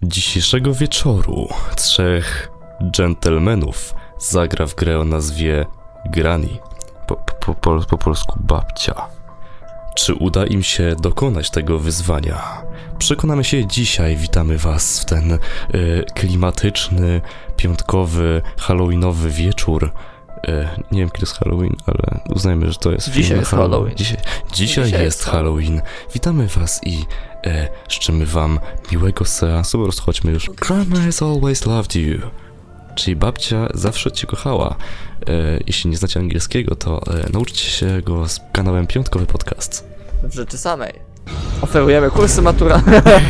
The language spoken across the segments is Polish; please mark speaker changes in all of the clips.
Speaker 1: Dzisiejszego wieczoru trzech dżentelmenów zagra w grę o nazwie Granny, po polsku babcia. Czy uda im się dokonać tego wyzwania? Przekonamy się dzisiaj. Witamy was w ten klimatyczny, piątkowy, halloweenowy wieczór. Nie wiem, kiedy jest Halloween, ale uznajmy, że to jest
Speaker 2: Dzisiaj jest Halloween.
Speaker 1: Dzisiaj jest Halloween. Witamy was i życzymy wam miłego seansu. Po prostu chodźmy już. Grandma has always loved you. Czyli babcia zawsze cię kochała. Jeśli nie znacie angielskiego, to nauczcie się go z kanałem Piątkowy Podcast.
Speaker 2: W rzeczy samej. Oferujemy kursy matura.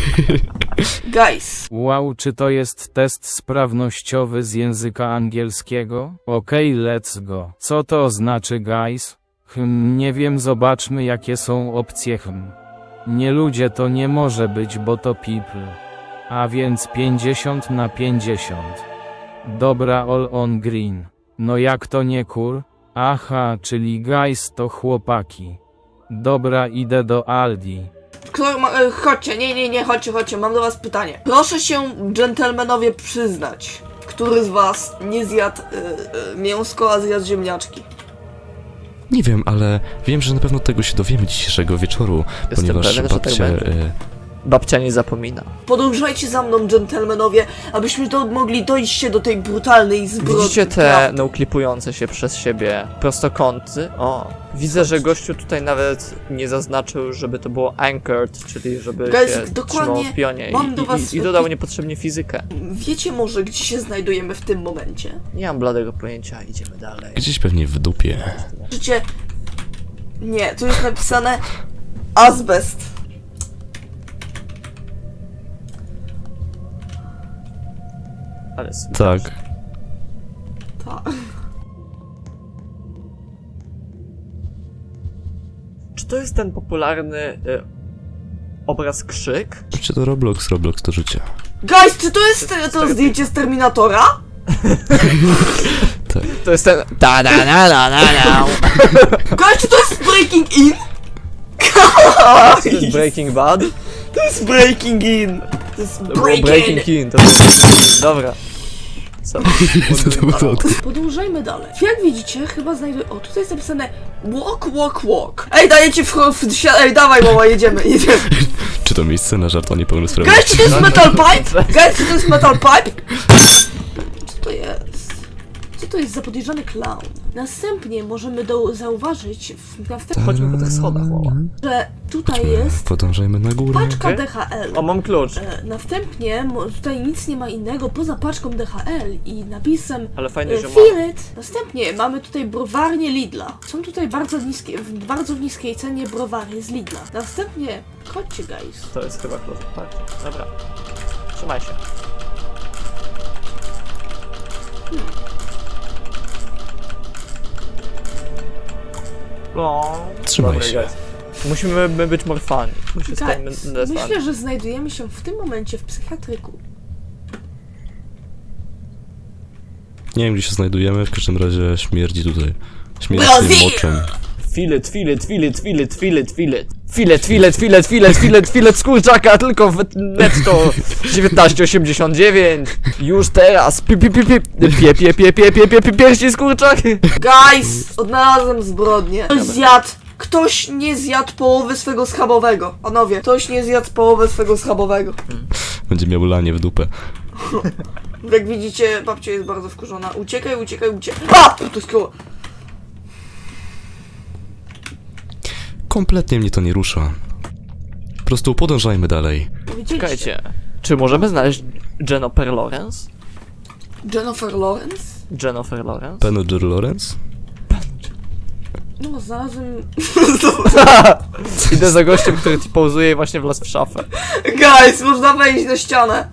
Speaker 3: Guys,
Speaker 4: Wow, czy to jest test sprawnościowy z języka angielskiego? Okej, let's go. Co to znaczy, guys? Nie wiem, zobaczmy jakie są opcje. Nie ludzie to nie może być, bo to people. A więc 50 na 50. Dobra, all on green. No jak to nie kur? Aha, czyli guys to chłopaki. Dobra, idę do Aldi.
Speaker 3: chodźcie, nie, chodźcie, mam do was pytanie. Proszę się, dżentelmenowie, przyznać, który z was nie zjadł mięsko, a zjadł ziemniaczki?
Speaker 1: Nie wiem, ale wiem, że na pewno tego się dowiemy dzisiejszego wieczoru,
Speaker 2: Jestem
Speaker 1: ponieważ
Speaker 2: pewien, że tak
Speaker 1: babcia...
Speaker 2: będzie. Babcia nie zapomina.
Speaker 3: Podążajcie za mną, dżentelmenowie, abyśmy mogli dojść się do tej brutalnej zbrodni.
Speaker 2: Widzicie te nauklipujące się przez siebie prostokąty? O, widzę, że gościu tutaj nawet nie zaznaczył, żeby to było anchored, czyli żeby
Speaker 3: Guys,
Speaker 2: się
Speaker 3: dokładnie
Speaker 2: trzymało w pionie
Speaker 3: mam do was-
Speaker 2: i dodał niepotrzebnie fizykę.
Speaker 3: Wiecie może, gdzie się znajdujemy w tym momencie?
Speaker 2: Nie mam bladego pojęcia, idziemy dalej.
Speaker 1: Gdzieś pewnie w dupie.
Speaker 3: Życie... Nie, tu jest napisane azbest.
Speaker 2: Ale
Speaker 1: Tak.
Speaker 3: Tak.
Speaker 2: Czy to jest ten popularny obraz krzyk?
Speaker 1: Czy to Roblox to życie.
Speaker 3: Guys, czy to jest to zdjęcie z Terminatora?
Speaker 1: Tak.
Speaker 2: To jest ten...
Speaker 3: Guys, czy to jest Breaking In?
Speaker 2: To jest Breaking Bad?
Speaker 3: To jest Breaking In! To jest
Speaker 2: To było Breaking In, to jest... Dobra. Co?
Speaker 3: Podążajmy dalej. Jak widzicie, chyba znajduję... O, tutaj jest napisane walk. Ej, dajecie Ej, dawaj mama, jedziemy.
Speaker 1: Czy to miejsce na żart o niepełnosprawności?
Speaker 3: Guys, czy to jest metal pipe? Guys, czy to jest metal pipe? Co to jest? Co to jest za podejrzany clown? Następnie możemy zauważyć
Speaker 2: Chodźmy po tych schodach, mała.
Speaker 3: że tutaj jest
Speaker 1: Podążajmy na górę.
Speaker 3: paczka
Speaker 2: Okej.
Speaker 3: DHL.
Speaker 2: O, mam klucz.
Speaker 3: Następnie tutaj nic nie ma innego poza paczką DHL i napisem
Speaker 2: Ale fajnie, że ma.
Speaker 3: Feel it. Następnie mamy tutaj browarnię Lidla. Są tutaj w bardzo niskiej cenie browary z Lidla. Następnie, chodźcie guys.
Speaker 2: To jest chyba klucz, tak. Dobra. Trzymaj się. No.
Speaker 1: Trzymaj
Speaker 2: Dobra,
Speaker 1: się.
Speaker 2: guys. Musimy być morfani. Musimy
Speaker 3: Guys,
Speaker 2: stać
Speaker 3: myślę, że znajdujemy się w tym momencie w psychiatryku.
Speaker 1: Nie wiem, gdzie się znajdujemy, w każdym razie śmierdzi tutaj. Śmierdzi
Speaker 3: Brazil!
Speaker 1: moczem.
Speaker 2: Filet z kurczaka, tylko w netto 19,89. Już teraz. Pierści z kurczaka.
Speaker 3: Guys, odnalazłem zbrodnię. Ktoś nie zjadł połowy swego schabowego. Panowie, ktoś nie zjadł połowę swego schabowego.
Speaker 1: Będzie miał lanie w dupę.
Speaker 3: Jak widzicie, babcia jest bardzo wkurzona. Uciekaj. A! To jest koło.
Speaker 1: Kompletnie mnie to nie rusza. Po prostu podążajmy dalej.
Speaker 3: Widzieliście?
Speaker 2: Czekajcie. Czy możemy znaleźć Jennifer Lawrence?
Speaker 3: Jennifer Lawrence?
Speaker 2: Jennifer Lawrence?
Speaker 1: Penelope Lawrence?
Speaker 3: No, znalazłem...
Speaker 2: Idę za gościem, który ci pauzuje i właśnie wlazł w szafę.
Speaker 3: Guys, można wejść na ścianę.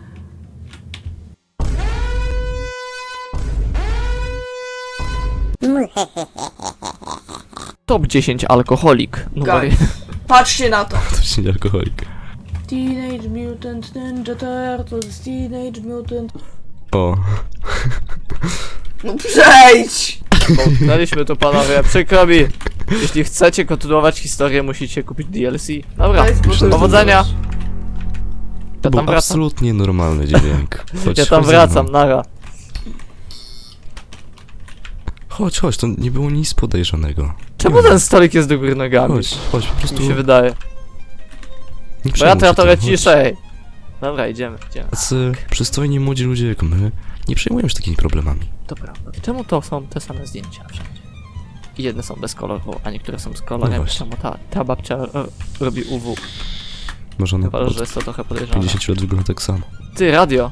Speaker 2: Top 10 alkoholik. Numer...
Speaker 3: Guys, patrzcie na to.
Speaker 1: To się nie alkoholik.
Speaker 3: Teenage Mutant Ninja Turtles, Teenage Mutant...
Speaker 1: O.
Speaker 3: No przejdź!
Speaker 2: Znaliśmy to, panowie, przykro mi. Jeśli chcecie kontynuować historię, musicie kupić DLC. Dobra,
Speaker 3: Guys, bo to-
Speaker 2: powodzenia.
Speaker 1: To był
Speaker 2: tam wracam.
Speaker 1: absolutnie normalny dźwięk. Chodź,
Speaker 2: Ja tam
Speaker 1: chodź ze
Speaker 2: wracam,
Speaker 1: mną.
Speaker 2: nara.
Speaker 1: Chodź, to nie było nic podejrzanego.
Speaker 2: Czemu ten stolik jest do góry nogami?
Speaker 1: Chodź, po prostu...
Speaker 2: Mi się wydaje.
Speaker 1: nie
Speaker 2: Bo ja
Speaker 1: przejmuj się
Speaker 2: trochę
Speaker 1: tym, chodź.
Speaker 2: ciszej. Dobra, idziemy.
Speaker 1: Tacy przystojni młodzi ludzie jak my nie przejmujemy się takimi problemami.
Speaker 2: To prawda. Czemu to są te same zdjęcia wszędzie? I jedne są bez koloru, a niektóre są z kolorem.
Speaker 1: No właśnie.
Speaker 2: Czemu ta babcia robi UW?
Speaker 1: Może ona
Speaker 2: Chyba, że
Speaker 1: od
Speaker 2: jest to trochę podejrzane.
Speaker 1: 50 lat wygląda tak samo.
Speaker 2: Ty, radio!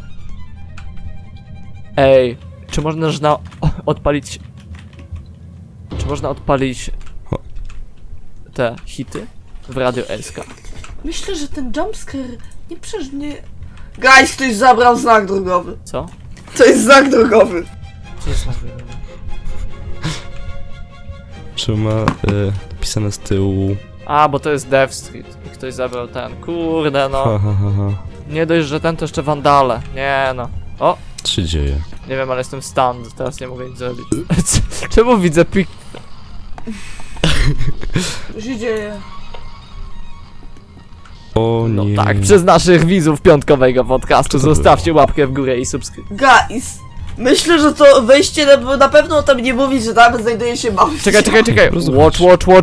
Speaker 2: Ej, czy można odpalić... Czy można odpalić...
Speaker 1: O.
Speaker 2: te hity? W Radio SK.
Speaker 3: Myślę, że ten jumpscare nie przeżnie... Guys, ktoś zabrał znak drogowy.
Speaker 2: Co?
Speaker 3: To jest znak drogowy.
Speaker 2: Co jest na
Speaker 1: Czy ma napisane z tyłu...
Speaker 2: A, bo to jest Death Street. I ktoś zabrał ten. Kurde no.
Speaker 1: Ha, ha, ha, ha.
Speaker 2: Nie dość, że ten to jeszcze wandale. Nie no. O!
Speaker 1: Co się dzieje?
Speaker 2: Nie wiem, ale jestem stand. Teraz nie mogę nic zrobić. Czemu widzę pik...
Speaker 3: Co się dzieje?
Speaker 1: O
Speaker 2: No
Speaker 1: nie.
Speaker 2: tak, przez naszych widzów piątkowego podcastu
Speaker 1: Co to
Speaker 2: zostawcie łapkę w górę i subskrypcję.
Speaker 3: Guys, myślę, że to wejście na pewno tam nie mówi, że tam znajduje się mały
Speaker 2: Czekaj.
Speaker 1: Rozumiem.
Speaker 2: Watch,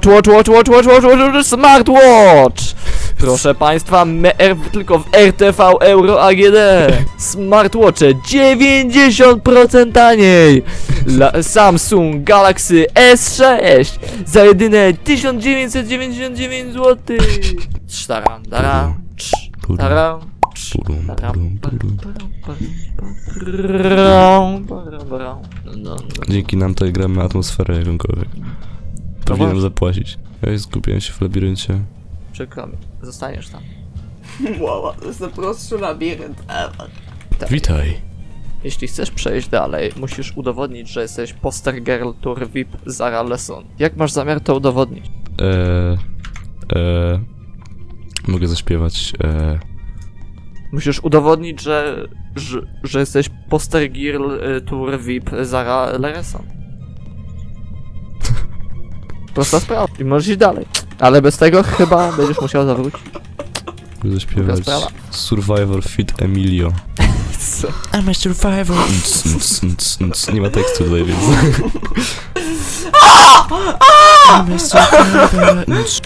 Speaker 2: smartwatch! Proszę państwa, tylko w RTV Euro AGD. Smartwatche 90% taniej. Samsung Galaxy S6 za jedyne 1999 zł. Taram, taram, taram.
Speaker 1: Purum, purum, purum.
Speaker 2: No.
Speaker 1: Dzięki nam tutaj gramy atmosferę jakąkolwiek. Powinienem zapłacić. Ja zgubiłem się w labiryncie.
Speaker 2: Przykro mi, zostaniesz tam.
Speaker 3: Wow, to jest najprostszy labirynt ever.
Speaker 1: Witaj.
Speaker 2: Jeśli chcesz przejść dalej, musisz udowodnić, że jesteś poster girl tour VIP Zara Lesson. Jak masz zamiar to udowodnić?
Speaker 1: Mogę zaśpiewać.
Speaker 2: Musisz udowodnić, że jesteś poster girl tour VIP Zara Lesson. Prosta sprawa. I możesz iść dalej. Ale bez tego chyba będziesz musiał zawrócić.
Speaker 1: Mogę zaśpiewać.
Speaker 2: sprawa.
Speaker 1: Survivor Fit Emilio.
Speaker 2: Co?
Speaker 1: I'm a survivor. Nie ma tekstu tutaj, więc. I'm a survivor.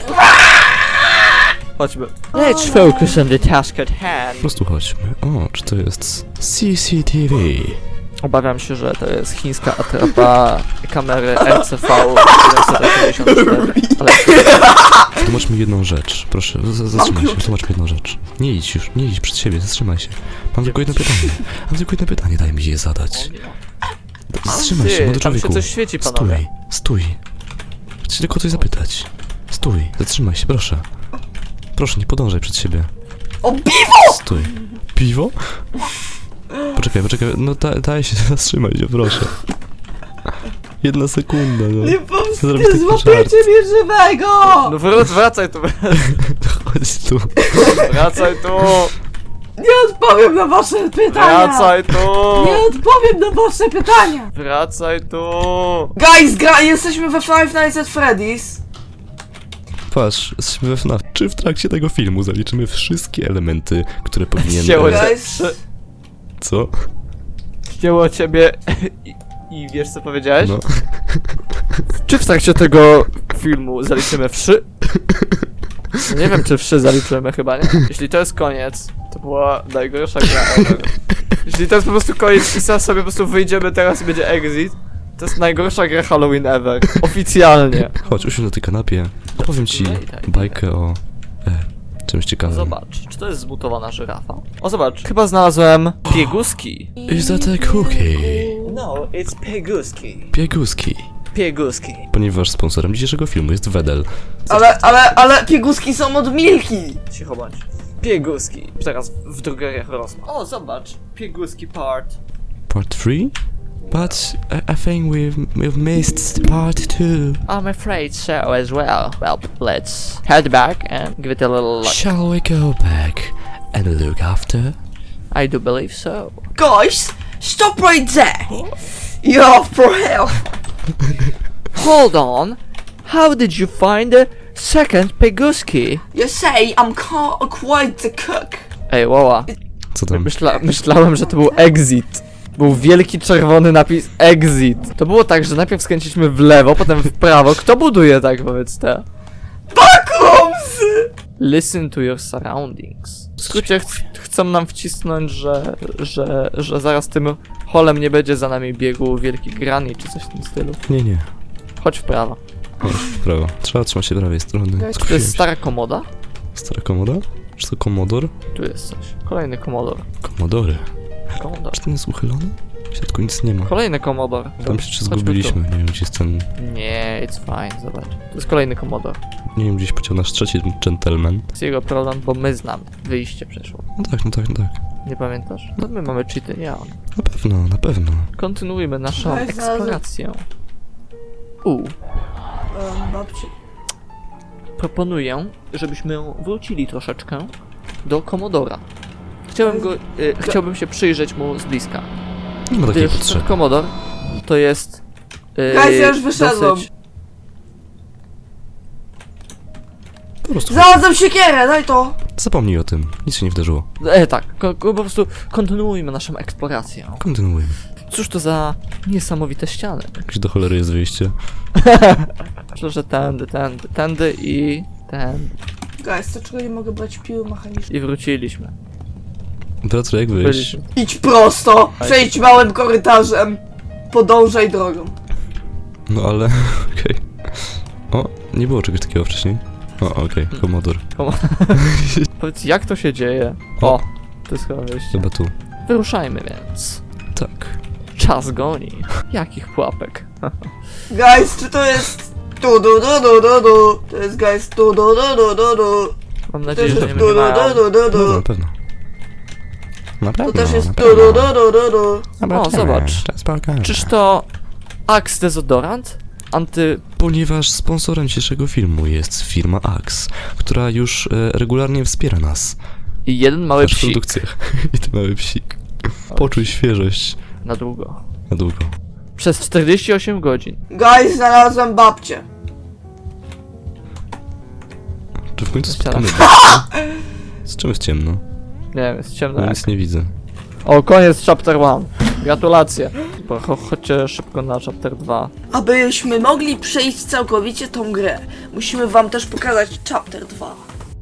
Speaker 2: Chodźmy. Let's focus on the task at hand.
Speaker 1: Po prostu chodźmy. O, czy to jest CCTV?
Speaker 2: Obawiam się, że to jest chińska atrapa kamery RCV 784, ale
Speaker 1: Tłumacz mi jedną rzecz. Proszę, zatrzymaj się. Tłumacz mi jedną rzecz. Nie idź już, nie idź przed siebie, zatrzymaj się. Mam tylko jedno pytanie. Daj mi je zadać. Zatrzymaj się, młody
Speaker 2: tam się
Speaker 1: człowieku.
Speaker 2: coś świeci, panowie.
Speaker 1: Stój. Chcę tylko coś zapytać. Stój, zatrzymaj się, proszę. Proszę, nie podążaj przed siebie.
Speaker 3: O, piwo!
Speaker 1: Stój. Piwo? Poczekaj, no daj się, zatrzymaj się, proszę. 1 sekunda, no.
Speaker 3: Nie
Speaker 1: Zrobię
Speaker 3: pomóżcie,
Speaker 1: taki
Speaker 3: złapiecie mnie żywego!
Speaker 2: No wracaj tu,
Speaker 1: Chodź tu.
Speaker 2: wracaj tu,
Speaker 3: Nie odpowiem na wasze pytania!
Speaker 2: wracaj tu,
Speaker 3: Nie odpowiem na wasze pytania!
Speaker 2: wracaj tu.
Speaker 3: Guys, jesteśmy we Five Nights at Freddy's.
Speaker 1: Patrz, jesteśmy we FNAF. Czy w trakcie tego filmu zaliczymy wszystkie elementy, które powinien...
Speaker 2: Ścięło cię.
Speaker 3: Guys,
Speaker 1: Co?
Speaker 2: Ścięło ciebie i wiesz co powiedziałeś?
Speaker 1: No.
Speaker 2: Czy w trakcie tego filmu zaliczymy wszy? Nie wiem, czy wszy zaliczymy, chyba nie. Jeśli to jest koniec, to była najgorsza gra ever. Jeśli to jest po prostu koniec i sam sobie po prostu wyjdziemy teraz i będzie exit, to jest najgorsza gra Halloween ever. Oficjalnie.
Speaker 1: Chodź, usiądź na tej kanapie. Opowiem ci bajkę o... czymś ciekawym.
Speaker 2: Zobacz, czy to jest zmutowana żyrafa? O, zobacz, chyba znalazłem pieguski.
Speaker 1: Is that a cookie?
Speaker 2: No, it's pieguski.
Speaker 1: Pieguski.
Speaker 2: Pieguski.
Speaker 1: Ponieważ sponsorem dzisiejszego filmu jest Wedel.
Speaker 3: ale pieguski są od Milki!
Speaker 2: Cicho bądź. Pieguski. Teraz w drogeriach rosną. O, zobacz. Pieguski part.
Speaker 1: Part 3? But I think we've missed part 2.
Speaker 2: I'm afraid so as well. Well, let's head back and give it a little look.
Speaker 1: Shall we go back and look after?
Speaker 2: I do believe so.
Speaker 3: Guys, stop right there! You're for hell!
Speaker 2: Hold on. How did you find the second Pieguski?
Speaker 3: You say I'm quite the cook.
Speaker 2: Ej, Woła.
Speaker 1: Co tam?
Speaker 2: Myślałem, że to był exit. Był wielki czerwony napis exit. To było tak, że najpierw skręciliśmy w lewo, potem w prawo. Kto buduje tak, powiedz te?
Speaker 3: Bakrumsy!
Speaker 2: Listen to your surroundings. W skrócie chcą nam wcisnąć, że zaraz tym holem nie będzie za nami biegł wielki Granny czy coś w tym stylu.
Speaker 1: Nie.
Speaker 2: Chodź w prawo.
Speaker 1: Chodź w prawo. Trzeba trzymać się prawej strony.
Speaker 2: To
Speaker 1: Skusiłem
Speaker 2: jest
Speaker 1: się.
Speaker 2: stara komoda?
Speaker 1: Stara komoda? Czy to komodor?
Speaker 2: Tu jest coś. Kolejny komodor.
Speaker 1: Komodory.
Speaker 2: Komodor.
Speaker 1: Czy ten jest uchylony? W środku nic nie ma.
Speaker 2: Kolejny komodor.
Speaker 1: Tam się czy
Speaker 2: Chodźmy
Speaker 1: zgubiliśmy. Nie wiem, gdzie jest ten...
Speaker 2: tu. Nie, it's fine, zobacz. To jest kolejny komodor.
Speaker 1: Nie wiem, gdzieś pociął nasz trzeci gentleman.
Speaker 2: To jest jego problem, bo my znamy. Wyjście przeszło.
Speaker 1: No tak.
Speaker 2: Nie pamiętasz? No my mamy cheaty, nie on.
Speaker 1: Na pewno.
Speaker 2: Kontynuujmy naszą
Speaker 3: Daj, znalazłem.
Speaker 2: eksplorację.
Speaker 3: Babci.
Speaker 2: Proponuję, żebyśmy wrócili troszeczkę do komodora. Chciałbym się przyjrzeć mu z bliska.
Speaker 1: Nie ma takiej
Speaker 2: Gdyż ten
Speaker 1: potrzeby.
Speaker 2: komodor to jest...
Speaker 3: Guys, ja już wyszedłem.
Speaker 2: dosyć-
Speaker 1: Po prostu
Speaker 3: Znalazłem siekierę, daj to!
Speaker 1: zapomnij o tym. Nic się nie wydarzyło.
Speaker 2: Tak, po prostu kontynuujmy naszą eksplorację.
Speaker 1: Kontynuujmy.
Speaker 2: Cóż to za niesamowite ściany.
Speaker 1: Gdzie do cholery jest wyjście?
Speaker 2: Myślę, że tędy i tędy.
Speaker 3: Guys, dlaczego nie mogę brać piły mechanicznej?
Speaker 2: I wróciliśmy.
Speaker 1: Teraz jak wyjść?
Speaker 2: Byliśmy.
Speaker 3: Idź prosto! Przejdź małym korytarzem! Podążaj drogą.
Speaker 1: No ale... okej. O, nie było czegoś takiego wcześniej. O, okej, komodor.
Speaker 2: Powiedz, jak to się dzieje?
Speaker 1: O.
Speaker 2: O, to jest chyba wyjście.
Speaker 1: Chyba tu.
Speaker 2: Wyruszajmy więc.
Speaker 1: Tak.
Speaker 2: Czas goni. Jakich pułapek?
Speaker 3: Guys, czy to jest... Tu. To jest guys tu.
Speaker 2: Mam
Speaker 3: To
Speaker 2: nadzieję,
Speaker 3: jest
Speaker 2: że nie
Speaker 3: tu.
Speaker 2: mają.
Speaker 1: No, na pewno. Na
Speaker 3: To
Speaker 1: pewno,
Speaker 3: też jest
Speaker 1: na
Speaker 3: tu.
Speaker 1: pewno.
Speaker 2: O, zobacz.
Speaker 1: Czas pokaże.
Speaker 2: Czyż to Axe dezodorant?
Speaker 1: Ponieważ sponsorem dzisiejszego filmu jest firma Axe, która już regularnie wspiera nas
Speaker 2: I jeden
Speaker 1: w
Speaker 2: mały
Speaker 1: naszych
Speaker 2: psik.
Speaker 1: produkcjach. I ten mały psik. Poczuj świeżość
Speaker 2: Na długo.
Speaker 1: na długo.
Speaker 2: Przez 48 godzin.
Speaker 3: Guys, znalazłem babcię.
Speaker 1: Czy w końcu
Speaker 2: Chciałem.
Speaker 1: spotkamy babcię? Z czym jest ciemno?
Speaker 2: Nie wiem, jest ciemno.
Speaker 1: Ja
Speaker 2: jak-
Speaker 1: nic nie widzę.
Speaker 2: O, koniec chapter 1. Gratulacje. Bo chodźcie szybko na chapter 2.
Speaker 3: Abyśmy mogli przejść całkowicie tą grę, musimy wam też pokazać chapter 2.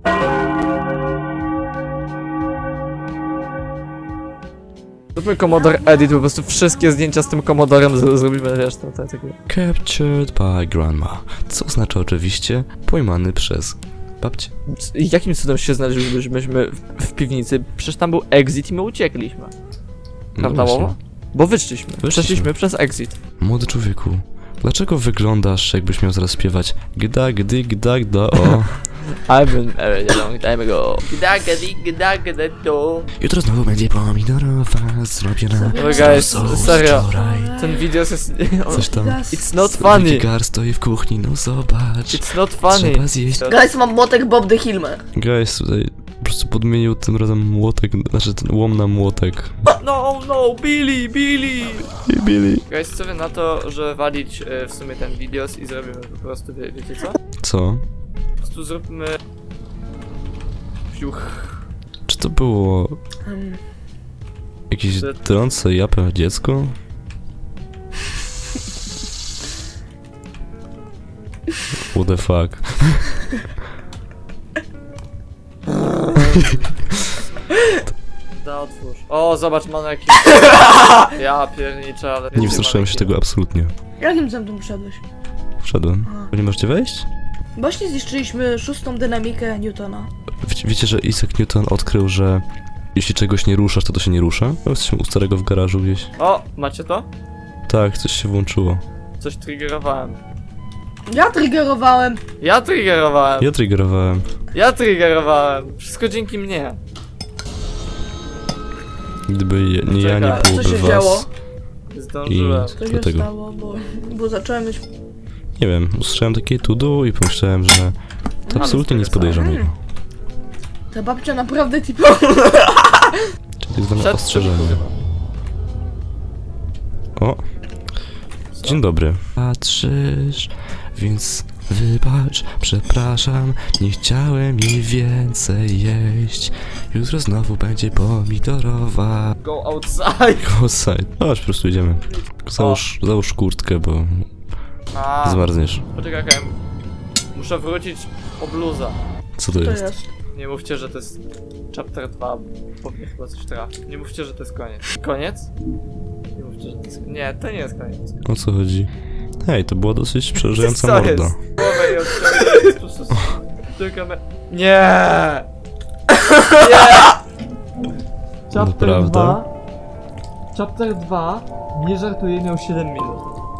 Speaker 2: Zróbmy Commodore Edit, po prostu wszystkie zdjęcia z tym Commodorem zrobimy, wiesz, to takie...
Speaker 1: Captured by grandma. Co oznacza oczywiście pojmany przez babcię.
Speaker 2: Jakim cudem się znaleźliśmy w piwnicy? Przecież tam był exit i my uciekliśmy. Prawda,
Speaker 1: No właśnie.
Speaker 2: Wowo? Bo wyszliśmy.
Speaker 1: Wyszliśmy.
Speaker 2: Przeszliśmy przez exit.
Speaker 1: Młody człowieku, dlaczego wyglądasz, jakbyś miał zaraz śpiewać gda, gdy, gda, gda, o.
Speaker 2: I've been married a long time ago.
Speaker 1: Jutro znowu będzie pomidorowa zrobiona.
Speaker 2: Oh guys,
Speaker 1: z
Speaker 2: serio.
Speaker 1: wczoraj.
Speaker 2: Ten video jest...
Speaker 1: Coś tam.
Speaker 2: It's not funny.
Speaker 1: Wigar stoi w kuchni, no zobacz.
Speaker 2: It's not funny.
Speaker 1: Trzeba zjeść.
Speaker 3: Guys, mam młotek Bob the Hilmer.
Speaker 1: Guys tutaj po prostu podmienił tym razem młotek, znaczy ten łom na młotek.
Speaker 2: No, Billy!
Speaker 1: I Billy.
Speaker 2: Guys, co wy na to, że walić w sumie ten videos i zrobimy po prostu, wiecie co?
Speaker 1: Co?
Speaker 2: Po prostu zróbmy... Fiuch.
Speaker 1: Czy to było jakieś trące japę dziecko? What the fuck?
Speaker 2: Da, otwórz. O, zobacz, mamy jakiś... Ja pierniczę, ale...
Speaker 1: Nie wstrzymałem się tego absolutnie.
Speaker 3: Jakim zębem wszedłeś?
Speaker 1: Wszedłem. Nie możecie wejść?
Speaker 3: Właśnie zniszczyliśmy szóstą dynamikę Newtona.
Speaker 1: Wiecie, że Isaac Newton odkrył, że jeśli czegoś nie ruszasz, to to się nie rusza? No, jesteśmy u starego w garażu gdzieś.
Speaker 2: O, macie to?
Speaker 1: Tak, coś się włączyło.
Speaker 2: Coś triggerowałem.
Speaker 3: Ja triggerowałem.
Speaker 2: Ja triggerowałem!
Speaker 1: Ja triggerowałem.
Speaker 2: Ja triggerowałem! Wszystko dzięki mnie.
Speaker 1: Gdyby nie ja, nie
Speaker 2: Czekaj,
Speaker 3: co
Speaker 1: byłoby
Speaker 3: się
Speaker 1: was.
Speaker 3: działo?
Speaker 2: Zdążyłem.
Speaker 3: Co się
Speaker 1: Dlatego.
Speaker 3: stało, bo zacząłem mieć...
Speaker 1: Nie wiem, usłyszałem takie tudu i pomyślałem, że to absolutnie nic podejrzanego.
Speaker 3: Ta babcia naprawdę tipo...
Speaker 1: Czyli tak zwane
Speaker 2: Przed
Speaker 1: ostrzeżenie. O! Dzień dobry. Patrzysz, więc Wybacz, przepraszam, nie chciałem jej więcej jeść. Jutro znowu będzie pomidorowa.
Speaker 2: Go outside.
Speaker 1: Outside. Chodź, po prostu idziemy. Tylko załóż kurtkę, bo
Speaker 2: A,
Speaker 1: zmarzniesz.
Speaker 2: poczekaj, muszę wrócić po bluza.
Speaker 1: Co to
Speaker 3: To
Speaker 1: jest?
Speaker 3: jest.
Speaker 2: Nie mówcie, że to jest chapter 2, bo mnie chyba coś trafi. Nie mówcie, że to jest koniec. Koniec? Nie mówcie, że to jest... Nie, to nie jest koniec.
Speaker 1: O co chodzi? Hej, to była dosyć przerażająca
Speaker 2: Co jest?
Speaker 1: morda.
Speaker 2: Głowę i odciągnę, jest po prostu... Tylko me... Nie! Nie! Chapter
Speaker 1: Naprawdę?
Speaker 2: 2... Chapter 2, nie żartuję, miał 7 minut.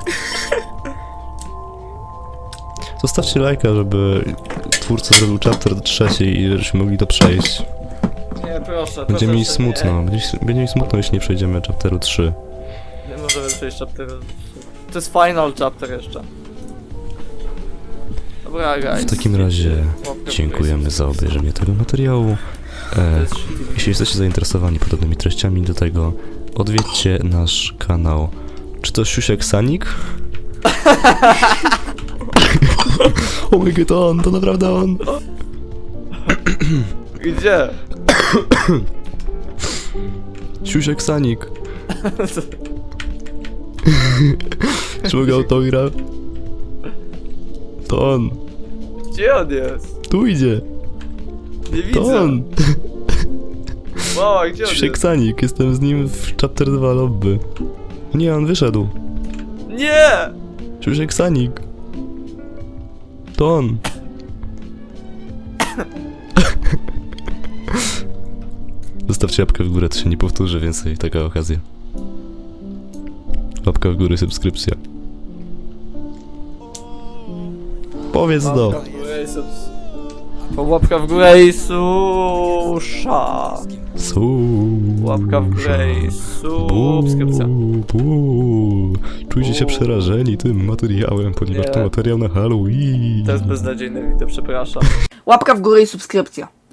Speaker 1: Zostawcie lajka, żeby twórca zrobił chapter 3 i żebyśmy mogli to przejść.
Speaker 2: Nie, proszę,
Speaker 1: Będzie mi
Speaker 2: proszę,
Speaker 1: smutno, będzie mi smutno, jeśli nie przejdziemy chapteru 3.
Speaker 2: Nie możemy przejść chapter... To jest final chapter jeszcze. Dobra, guys.
Speaker 1: W takim razie
Speaker 2: Łapkę w
Speaker 1: dziękujemy
Speaker 2: górę.
Speaker 1: za obejrzenie tego materiału.
Speaker 2: To jest shitty.
Speaker 1: Jeśli jesteście zainteresowani podobnymi treściami do tego, odwiedźcie nasz kanał. Czy to Siusiek Sanik? Oh my god, on, to naprawdę on!
Speaker 2: Gdzie?
Speaker 1: Siusiek Sanik. Czy mogę autograf? To on.
Speaker 2: Gdzie on jest?
Speaker 1: Tu idzie.
Speaker 2: Nie
Speaker 1: To
Speaker 2: widzę.
Speaker 1: on.
Speaker 2: Mała, gdzie on
Speaker 1: Siusiek
Speaker 2: jest?
Speaker 1: Sanik, jestem z nim w chapter 2 lobby. Nie, on wyszedł.
Speaker 2: Nie!
Speaker 1: Siusiek Sanik. To on. Zostawcie łapkę w górę, to się nie powtórzy więcej taka okazja. Łapka w górę, subskrypcja. Powiedz do.
Speaker 2: Łapka w górę i łapka w górę i susza. Łapka w górę i subskrypcja.
Speaker 1: Czujcie się przerażeni tym materiałem, ponieważ
Speaker 2: Nie.
Speaker 1: to materiał na Halloween.
Speaker 2: To jest beznadziejne wideo, przepraszam.
Speaker 3: Łapka w górę i subskrypcja.